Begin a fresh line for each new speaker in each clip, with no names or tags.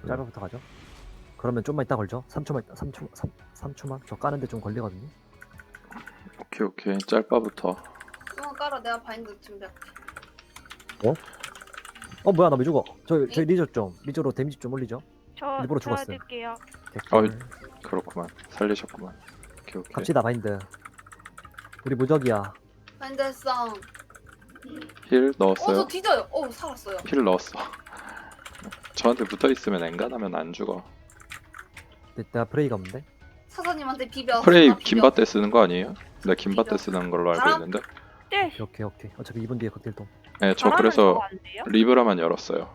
짧아부터 가죠. 그러면 좀만 이따 걸죠. 3초만 있다. 3초만. 저 까는데 좀 걸리거든요.
오케이. 짤바부터.
좀 깔아. 내가 바인드 준비할게.
뭐야 나 왜 죽어? 저희 리저 좀 리저로 데미지 좀 올리죠.
저
일부러
줘야
죽었어요.
될게요.
개꿀.
그렇구만. 살리셨구만. 오케이.
갑시다 바인드. 우리 무적이야.
바인드 했어.
힐
저
넣었어요?
뒤져요. 살았어요.
힐 넣었어. 저한테 붙어있으면 엔간하면 안 죽어.
내가 프레이가 없는데.
사사님한테 비벼.
프레이
나 비벼.
긴바 때 쓰는 거 아니에요? 나 긴바 때
비벼.
쓰는 걸로 알고
바람?
있는데.
네.
오케이. 어차피 2분 뒤에 극딜동.
네, 저
바람은
그래서
저거 안 돼요?
리브라만 열었어요.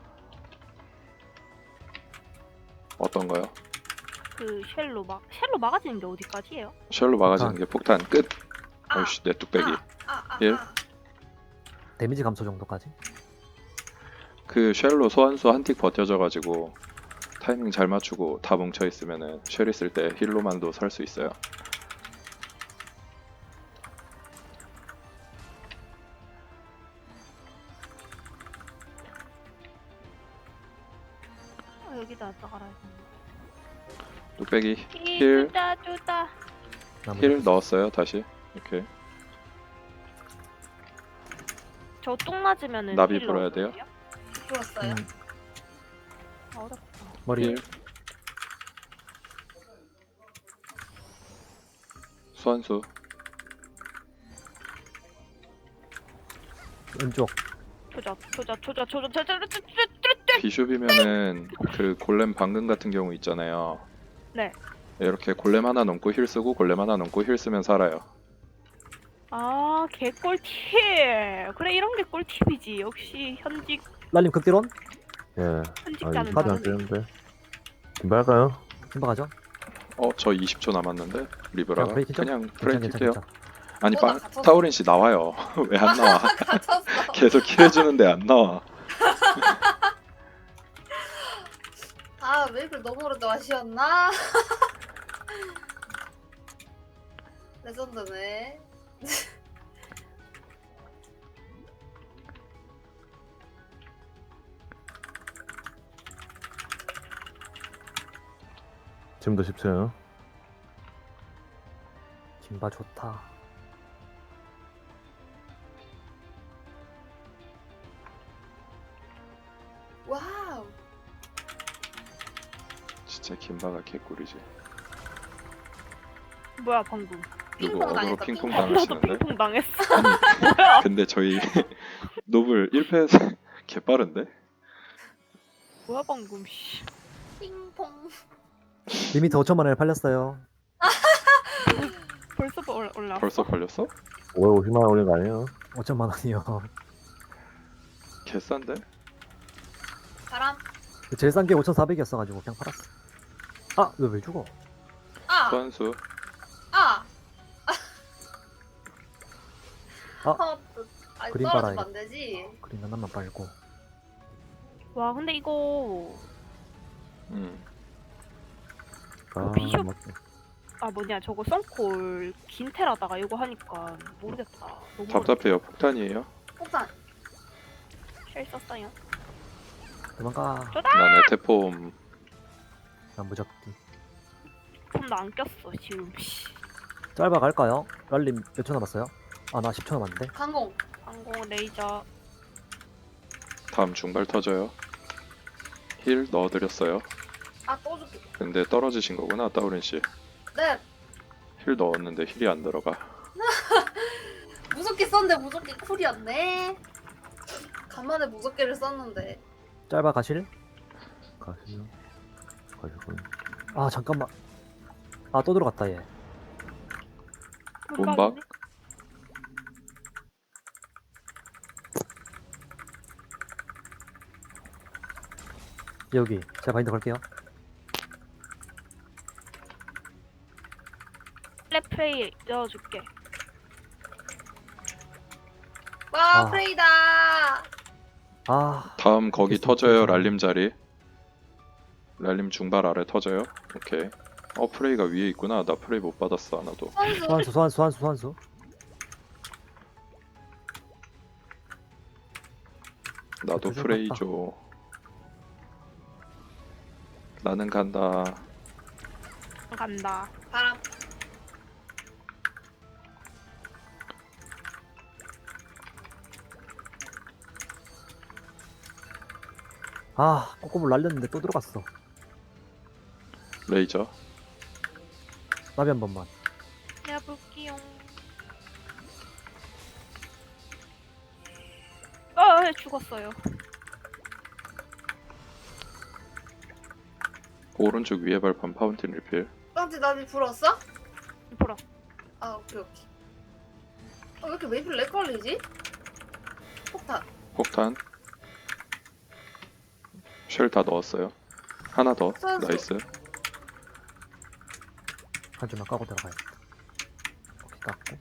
어떤 거요?
그 쉘로 막아지는 게 어디까지예요?
쉘로 막아지는 게 폭탄 끝.
아,
어이씨 내 뚝배기.
아.
일?
데미지 감소 정도까지.
그 쉘로 소환수 한 틱 버텨져가지고 타이밍 잘 맞추고 다 뭉쳐 있으면은 쉘 있을 때 힐로만도 설 수 있어요.
여기다 나가라 했는데.
뚝배기
힐 쪼다.
힐 넣었어요 다시. 오케이.
저 똥 맞으면은
나비
힐
불어야
넣어줘야
돼요?
불었어요.
어렵다.
머리.
힐. 소환수.
왼쪽.
조져.
비숍이면은 그 골렘 방금 같은 경우 있잖아요.
네.
이렇게 골렘 하나 넘고 힐 쓰고 골렘 하나 넘고 힐 쓰면 살아요.
아, 개꿀팁. 그래, 이런 게 꿀팁이지. 역시
랄님 극딜온.
예.
현직자는
이거 안
다르네.
되는데. 김발까요?
금방 가죠.
저 20초 남았는데 리브라가
프레이 키죠?
그냥 프레이
괜찮.
킬게요. 아니
나 갇혔어.
타우린 씨 나와요. 왜 안 나와?
갇혔어.
계속 킬해주는데 안 나와.
웨이블 너무 오래도 아쉬웠나? 레전드네.
지금도 10초요.
김바 좋다.
와우.
진짜 김바가 개꿀이지.
뭐야, 방금.
누구
핑퐁
어그로
당했다,
핑퐁
핑퐁.
나도
당하시는데?
핑퐁 당했어.
근데 저희 노블 1패에서 개빠른데?
뭐야, 방금. 씨.
핑퐁.
리미트 5천만 원에 팔렸어요.
벌써 올라.
벌써 걸렸어?
550만 원 올린 거 아니에요?
5천만 원이요.
개싼데?
바람.
제일 싼 게 5,400이었어가지고 그냥 팔았어. 왜 죽어?
소환수.
그림
떨어지면
빨아야겠다.
안 되지.
그림 하나만 빨고.
와, 근데 이거
아,
비숍.
맞다.
뭐냐, 저거 썬콜 긴테라다가 이거 하니까 모르겠다. 너무
답답해요. 폭탄이에요.
폭탄.
쉘 썼어요.
도망가.
난 에테폼.
난 무적기.
폼도 안 꼈어 지금. 씨.
짧아 갈까요? 랄님 몇 초 남았어요? 나 10초 남았는데.
강공.
항공 레이저.
다음 중발 터져요. 힐 넣어드렸어요.
또 줄게.
근데 떨어지신 거구나 타우린 씨.
네.
힐 넣었는데 힐이 안 들어가.
무섭게 썼는데 무섭게 쿨이었네. 간만에 무섭게를 썼는데.
짧아 가실?
가시죠. 가시군.
잠깐만. 또 들어갔다 얘.
몸박.
여기 제가 바인드 걸게요.
플레이 넣어줄게.
와
아.
프레이다.
다음 거기
됐어,
터져요.
괜찮아.
랄림 자리. 랄림 중발 아래 터져요. 오케이. 프레이가 위에 있구나. 나 프레이 못 받았어 하나도.
선수.
소환수.
나도
조심
프레이
같다.
줘. 나는 간다.
간다.
바람.
아, 꼬꼬볼 날렸는데 또 들어갔어.
레이저.
나비 한 번만.
해볼게요. 아, 죽었어요.
오른쪽 위에 발판 파운틴 리필.
깡지 나비 불었어?
보라.
아 오케이 오케이. 왜 이렇게 메이플 렉 걸리지? 폭탄.
폭탄. 쉘 다 넣었어요. 하나 더.
선수.
나이스.
한 줄만 까고 들어가야겠다. 오케이, 깎고.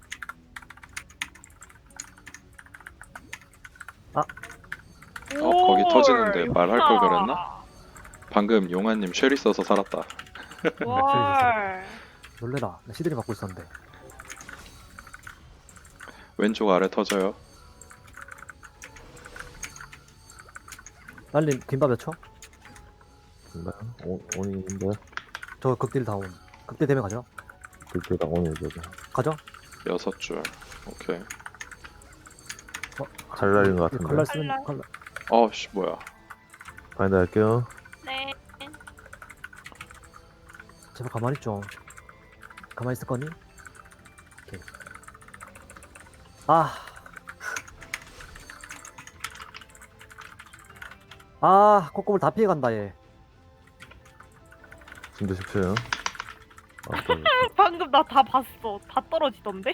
거기 터지는데 말할 걸
와.
그랬나? 방금 용아님 쉘 있어서 살았다.
월.
놀래라. 나 시드니 받고 있었는데.
왼쪽 아래 터져요.
날린 김밥 몇 초?
네. 온인데
저 극딜 다운. 극딜 되면 가죠.
그때랑 온이죠.
가죠.
6줄. 오케이.
잘 날린 것 같은데.
칼날 쓰는
칼날.
칼날.
어씨 뭐야.
바인드 할게요.
네.
제발 가만히 있죠. 가만히 있을 거니? 오케이. 꼬꼬볼 다 피해간다 얘.
진짜 쉽죠.
방금 나 다 봤어. 다 떨어지던데?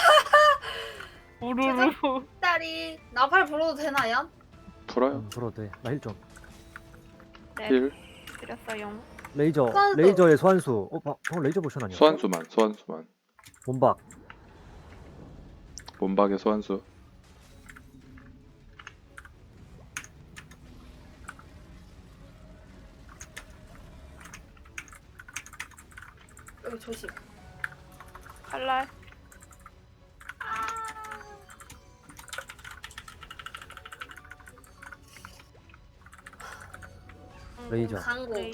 우르르.
딸이 나팔 불어도 되나요?
풀어요.
불어도 돼. 나 힐 좀.
네.
힐.
드렸어요.
레이저.
소환수.
레이저의 소환수. 방금 레이저 보션 아니야?
소환수만. 소환수만.
몸박.
몸박의 소환수.
여기 조심.
칼날.
레이저.
강고.
레이저.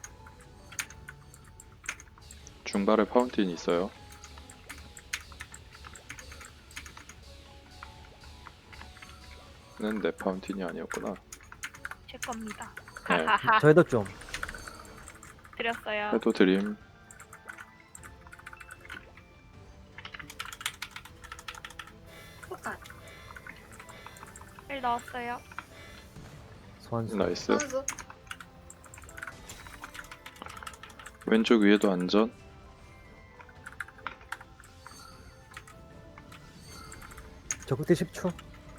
중발에 파운틴 있어요. 는 내 파운틴이 아니었구나.
제 겁니다.
네.
하하하.
저 헤더 좀.
드렸어요.
해도 드림.
폭탄.
1 넣었어요.
소환수.
나이스.
선수.
왼쪽 위에도 안전.
저 극딜 10초.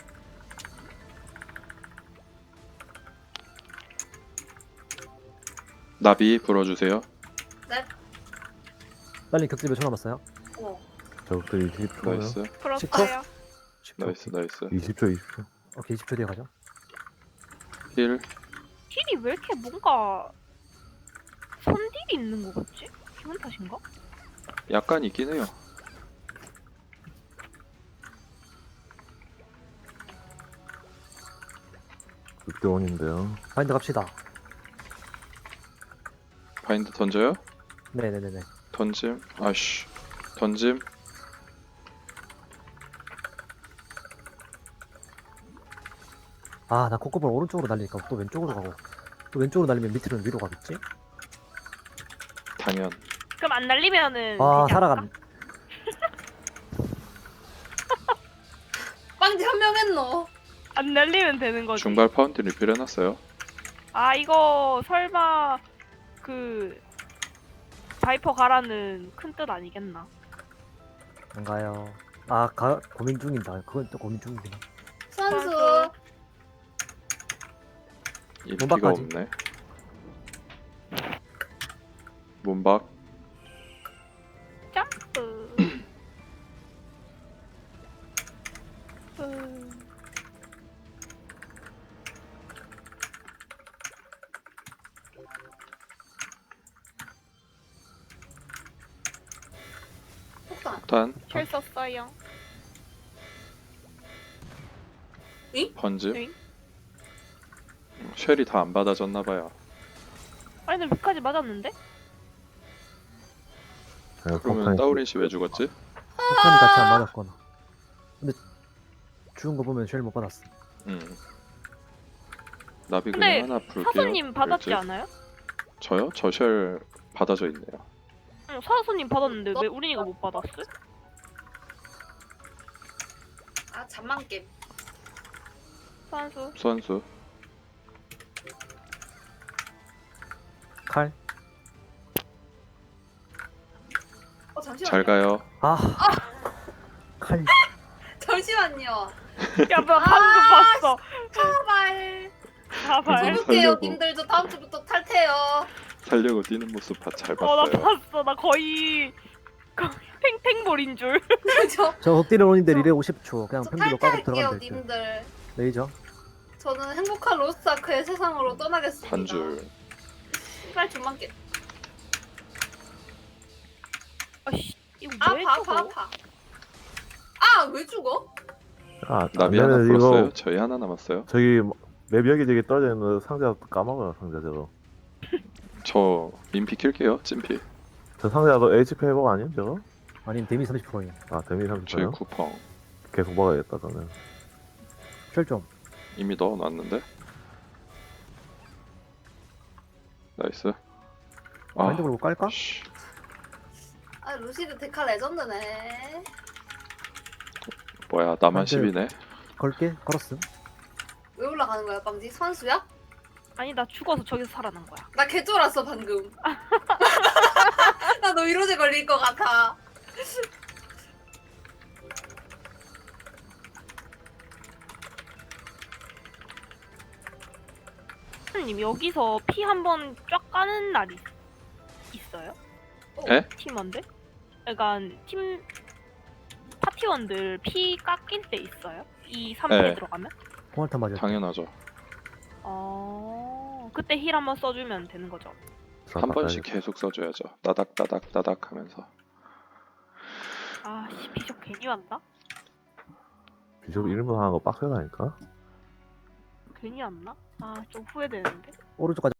나비 불어주세요.
네.
날린 극딜 몇 초 남았어요?
오.
저것들 20초요.
나이스.
풀었어요.
10초.
나이스 나이스.
20초, 20초.
오케이, 20초 뒤에 가죠.
힐.
딜이 왜 이렇게 뭔가 손딜이 있는 거 같지? 기분 탓인가?
약간 있긴 해요.
그때 온인데요.
바인드 갑시다.
바인드 던져요?
네네네네.
던짐. 아씨. 던짐.
나 꼬꼬볼 오른쪽으로 날리니까 또 왼쪽으로 가고. 또 왼쪽으로 날리면 밑으로는 위로 가겠지?
당연.
그럼 안 날리면은 되지
살아간.
않을까?
빵지 한 명 했노.
안 날리면 되는 거지.
중발 파운틴 리필 해놨어요.
아 이거 설마 그 바이퍼 가라는 큰 뜻 아니겠나?
안 가요. 고민 중이다. 그건 또 고민 중이구나.
선수.
인피가
몸박까지.
없네. 몸박.
점프.
폭탄.
폭탄.
쉘 썼어요.
번즈.
응?
쉘이 다 안 받아졌나봐요.
아니 나 위까지 맞았는데?
네,
그러면 따오린 씨 왜 죽었지?
폭탄이 같이 안 맞았거나. 근데 죽은 거 보면 쉘 못 받았어.
나비
근데
그냥 하나 풀게요.
사수님 받았지
일찍.
않아요?
저요? 저 쉘 받아져 있네요.
응 사수님 받았는데 왜 우린이가 못 받았어?
아 잠만 게임.
소환수.
수환수.
칼?
잠시만요.
잘 가요.
아. 칼.
잠시만요.
야 나 방금 봤어.
제발.
자발.
해볼게요,
살려고.
님들. 저 다음 주부터 탈퇴요.
살려고 뛰는 모습 잘
나
봤어요.
봤어. 나 거의 탱탱볼인 줄.
저 흑딜을 오는데 리레 50초. 그냥
저
펜비로 까고
탈퇴할게요,
들어가면 될 듯.
님들.
레이저.
저는 행복한 로스트아크의 세상으로 떠나겠습니다.
한 줄.
빨리 좀만 깨.
아씨 이거 왜
아파,
죽어?
아파, 아파. 아, 왜 죽어?
아,
나비 하나
안되면
풀었어요?
이거
저희 하나 남았어요.
저기 맵 여기저기 떨어져 있는 상자 까먹어요. 상자 저거.
저 민피 킬게요. 찐피.
저 상자도 HP 회복 아니에요 저거?
아니면 데미 30%예요.
아 데미
저희
30%요?
쿠펑
계속 먹어야겠다 저는.
쉘 좀.
이미 넣어놨는데. 나이스. 아,
마인드 걸고 깔까?
씨.
아, 루시드 데카 레전드네.
뭐야 나만
안 돼요.
10이네.
걸게. 걸었음.
왜 올라가는 거야, 빵지? 선수야?
아니 나 죽어서 저기서 살아난 거야.
나 개쫄았어, 방금. 나 너 이로제 걸릴 것 같아.
님 여기서 피 한 번 쫙 까는 날이 있어요?
에?
팀원들? 그러니까 팀 파티원들 피 깎일 때 있어요? 이 3패
네.
들어가면?
포말탄 맞았.
당연하죠.
그때 힐 한번 써주면 되는 거죠.
한 번씩 계속 써줘야죠. 따닥 따닥 따닥 하면서.
아씨 비숍 괜히 왔나?
비숍 1분 하는 거 빡세다니까?
괜히 왔나? 아 좀 후회되는데.
오른쪽까지